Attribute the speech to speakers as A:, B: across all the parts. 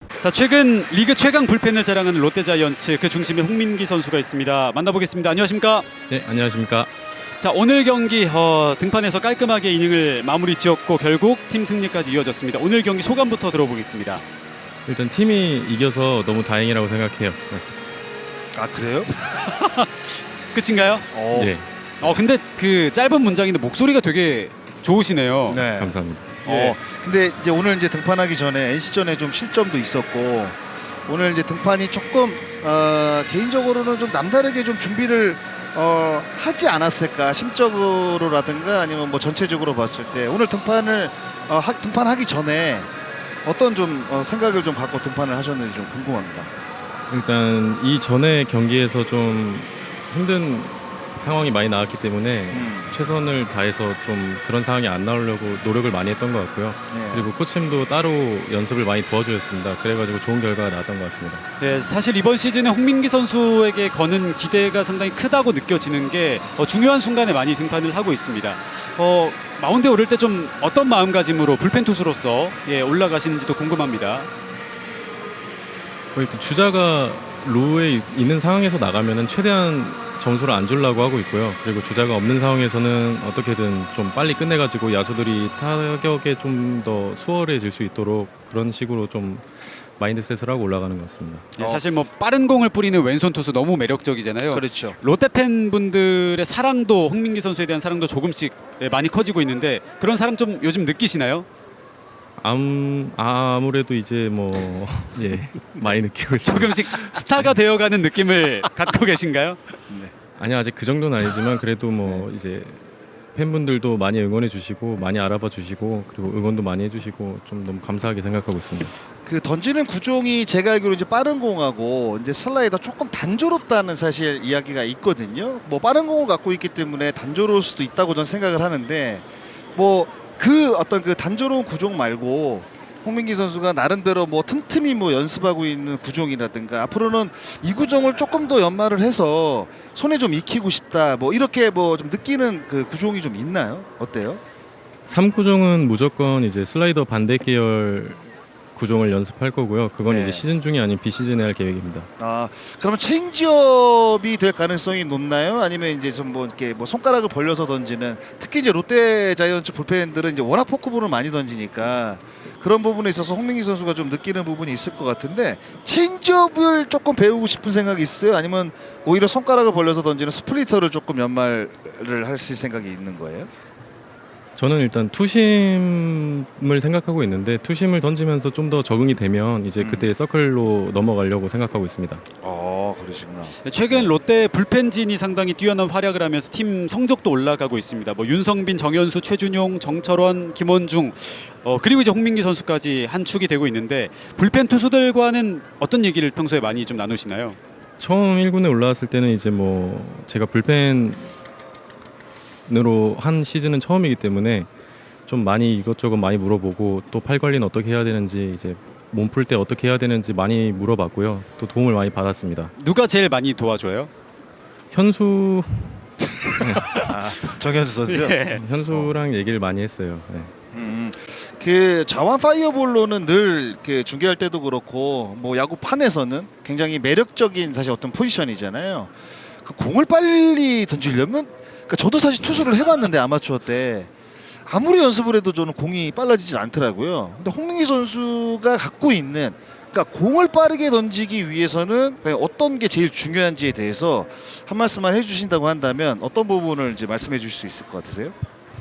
A: 자, 최근 리그 최강 불펜을 자랑하는 롯데자이언츠, 그 중심에 홍민기 선수가 있습니다. 만나보겠습니다. 안녕하십니까?
B: 네, 안녕하십니까?
A: 자, 오늘 경기 등판에서 깔끔하게 이닝을 마무리 지었고 결국 팀 승리까지 이어졌습니다. 오늘 경기 소감부터 들어보겠습니다.
B: 일단 팀이 이겨서 너무 다행이라고 생각해요.
C: 아, 그래요?
A: 끝인가요?
B: 예,
A: 근데 그 짧은 문장인데 목소리가 되게 좋으시네요.
C: 네.
B: 감사합니다.
C: 근데 이제 오늘 이제 등판하기 전에 NC전에 좀 실점도 있었고 오늘 이제 등판이 조금 개인적으로는 좀 남다르게 좀 준비를 하지 않았을까, 심적으로라든가 아니면 뭐 전체적으로 봤을 때 오늘 등판하기 전에 어떤 좀 생각을 좀 갖고 등판을 하셨는지 좀 궁금합니다.
B: 일단 이 전에 경기에서 좀 힘든 상황이 많이 나왔기 때문에 최선을 다해서 좀 그런 상황이 안 나오려고 노력을 많이 했던 것 같고요.
C: 네.
B: 그리고 코치님도 따로 연습을 많이 도와주셨습니다. 그래가지고 좋은 결과가 나왔던 것 같습니다.
A: 네, 사실 이번 시즌에 홍민기 선수에게 거는 기대가 상당히 크다고 느껴지는 게 중요한 순간에 많이 등판을 하고 있습니다. 마운드에 오를 때 좀 어떤 마음가짐으로 불펜 투수로서 올라가시는지도 궁금합니다.
B: 일단 주자가 로우에 있는 상황에서 나가면은 최대한 점수를 안 주려고 하고 있고요. 그리고 주자가 없는 상황에서는 어떻게든 좀 빨리 끝내가지고 야수들이 타격에 좀 더 수월해질 수 있도록 그런 식으로 좀 마인드셋을 하고 올라가는 것 같습니다.
A: 네, 사실 뭐 빠른 공을 뿌리는 왼손 투수 너무 매력적이잖아요.
C: 그렇죠.
A: 롯데 팬분들의 사랑도, 홍민기 선수에 대한 사랑도 조금씩 많이 커지고 있는데 그런 사랑 좀 요즘 느끼시나요?
B: 아무래도 이제 뭐 많이 느끼고 있습니다.
A: 조금씩 스타가 되어가는 느낌을 갖고 계신가요?
B: 아니, 아직 그 정도는 아니지만 그래도 뭐 이제 팬분들도 많이 응원해 주시고 많이 알아봐 주시고 그리고 응원도 많이 해주시고 좀 너무 감사하게 생각하고 있습니다.
C: 그 던지는 구종이 제가 알기로 이제 빠른 공하고 이제 슬라이더 조금 단조롭다는 사실 이야기가 있거든요. 뭐 빠른 공을 갖고 있기 때문에 단조로울 수도 있다고 저는 생각을 하는데 뭐 그 어떤 그 단조로운 구종 말고 홍민기 선수가 나름대로 뭐 틈틈이 뭐 연습하고 있는 구종이라든가 앞으로는 이 구종을 조금 더 연마를 해서 손에 좀 익히고 싶다 뭐 이렇게 뭐 좀 느끼는 그 구종이 좀 있나요? 어때요?
B: 3구종은 무조건 이제 슬라이더 반대 계열 구종을 연습할 거고요. 그건
C: 네.
B: 이제 시즌 중이 아닌 비시즌에 할 계획입니다.
C: 그러면 체인지업이 될 가능성이 높나요? 아니면 이제 좀 뭐 이렇게 뭐 손가락을 벌려서 던지는, 특히 이제 롯데 자이언츠 불펜들은 이제 워낙 포크볼을 많이 던지니까 그런 부분에 있어서 홍민기 선수가 좀 느끼는 부분이 있을 것 같은데 체인지업을 조금 배우고 싶은 생각이 있어요? 아니면 오히려 손가락을 벌려서 던지는 스플리터를 조금 연말을 하실 생각이 있는 거예요?
B: 저는 일단 투심을 생각하고 있는데 투심을 던지면서 좀 더 적응이 되면 이제 그때 서클로 넘어가려고 생각하고 있습니다.
C: 그러시구나.
A: 최근 롯데 불펜진이 상당히 뛰어난 활약을 하면서 팀 성적도 올라가고 있습니다. 뭐 윤성빈, 정현수, 최준용, 정철원, 김원중 그리고 이제 홍민기 선수까지 한 축이 되고 있는데 불펜 투수들과는 어떤 얘기를 평소에 많이 좀 나누시나요?
B: 처음 1군에 올라왔을 때는 이제 뭐 제가 불펜으로 한 시즌은 처음이기 때문에 좀 많이 이것저것 많이 물어보고 또 팔 관리는 어떻게 해야 되는지 이제 몸 풀 때 어떻게 해야 되는지 많이 물어봤고요. 또 도움을 많이 받았습니다.
A: 누가 제일 많이 도와줘요?
B: 현수
C: 정현수 선수요?
A: 예.
B: 현수랑 얘기를 많이 했어요. 네.
C: 그 자완 파이어볼로는 늘 그 중계할 때도 그렇고 뭐 야구판에서는 굉장히 매력적인 사실 어떤 포지션이잖아요. 그 공을 빨리 던지려면, 그러니까 저도 사실 투수를 해봤는데 아마추어 때 아무리 연습을 해도 저는 공이 빨라지질 않더라고요. 근데 홍민기 선수가 갖고 있는, 그러니까 공을 빠르게 던지기 위해서는 어떤 게 제일 중요한지에 대해서 한 말씀만 해주신다고 한다면 어떤 부분을 이제 말씀해 주실 수 있을 것 같으세요?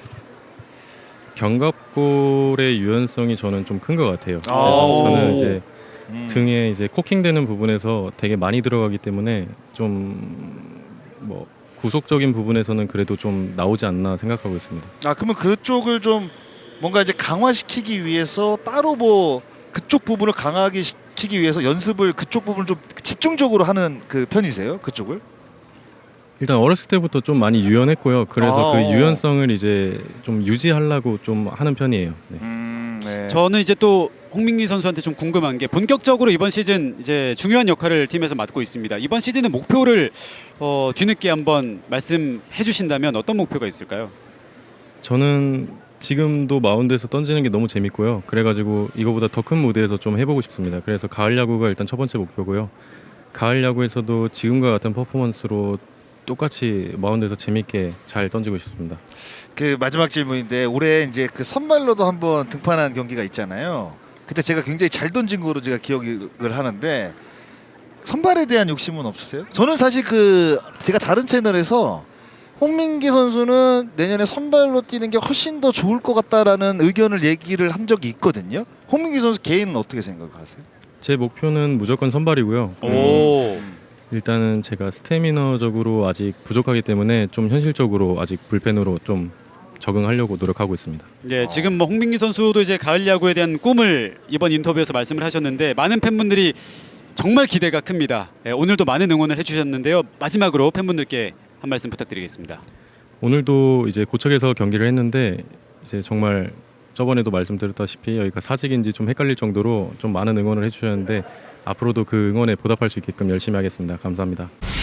B: 견갑골의 유연성이 저는 좀 큰 것 같아요. 그래서 저는 이제 등에 이제 코킹되는 부분에서 되게 많이 들어가기 때문에 좀 뭐 구속적인 부분에서는 그래도 좀 나오지 않나 생각하고 있습니다.
C: 그러면 그쪽을 좀 뭔가 이제 강화시키기 위해서 따로 뭐 그쪽 부분을 강하게 시키기 위해서 연습을 그쪽 부분을 좀 집중적으로 하는 그 편이세요? 그쪽을?
B: 일단 어렸을 때부터 좀 많이 유연했고요. 그래서 그 유연성을 이제 좀 유지하려고 좀 하는 편이에요. 네.
C: 네.
A: 저는 이제 또 홍민기 선수한테 좀 궁금한 게 본격적으로 이번 시즌 이제 중요한 역할을 팀에서 맡고 있습니다. 이번 시즌의 목표를 뒤늦게 한번 말씀해 주신다면 어떤 목표가 있을까요?
B: 저는 지금도 마운드에서 던지는 게 너무 재밌고요. 그래가지고 이거보다 더 큰 무대에서 좀 해보고 싶습니다. 그래서 가을 야구가 일단 첫 번째 목표고요. 가을 야구에서도 지금과 같은 퍼포먼스로 똑같이 마운드에서 재밌게 잘 던지고 싶습니다.
C: 그 마지막 질문인데 올해 이제 그 선발로도 한번 등판한 경기가 있잖아요. 그때 제가 굉장히 잘 던진 거로 제가 기억을 하는데 선발에 대한 욕심은 없으세요? 저는 사실 그 제가 다른 채널에서 홍민기 선수는 내년에 선발로 뛰는 게 훨씬 더 좋을 것 같다라는 의견을 얘기를 한 적이 있거든요. 홍민기 선수 개인은 어떻게 생각하세요?
B: 제 목표는 무조건 선발이고요.
A: 오.
B: 일단은 제가 스태미너적으로 아직 부족하기 때문에 좀 현실적으로 아직 불펜으로 좀 적응하려고 노력하고 있습니다.
A: 네, 지금 뭐 홍민기 선수도 이제 가을 야구에 대한 꿈을 이번 인터뷰에서 말씀을 하셨는데 많은 팬분들이 정말 기대가 큽니다. 네, 오늘도 많은 응원을 해주셨는데요. 마지막으로 팬분들께 한 말씀 부탁드리겠습니다.
B: 오늘도 이제 고척에서 경기를 했는데 이제 정말 저번에도 말씀드렸다시피 여기가 사직인지 좀 헷갈릴 정도로 좀 많은 응원을 해주셨는데 앞으로도 그 응원에 보답할 수 있게끔 열심히 하겠습니다. 감사합니다.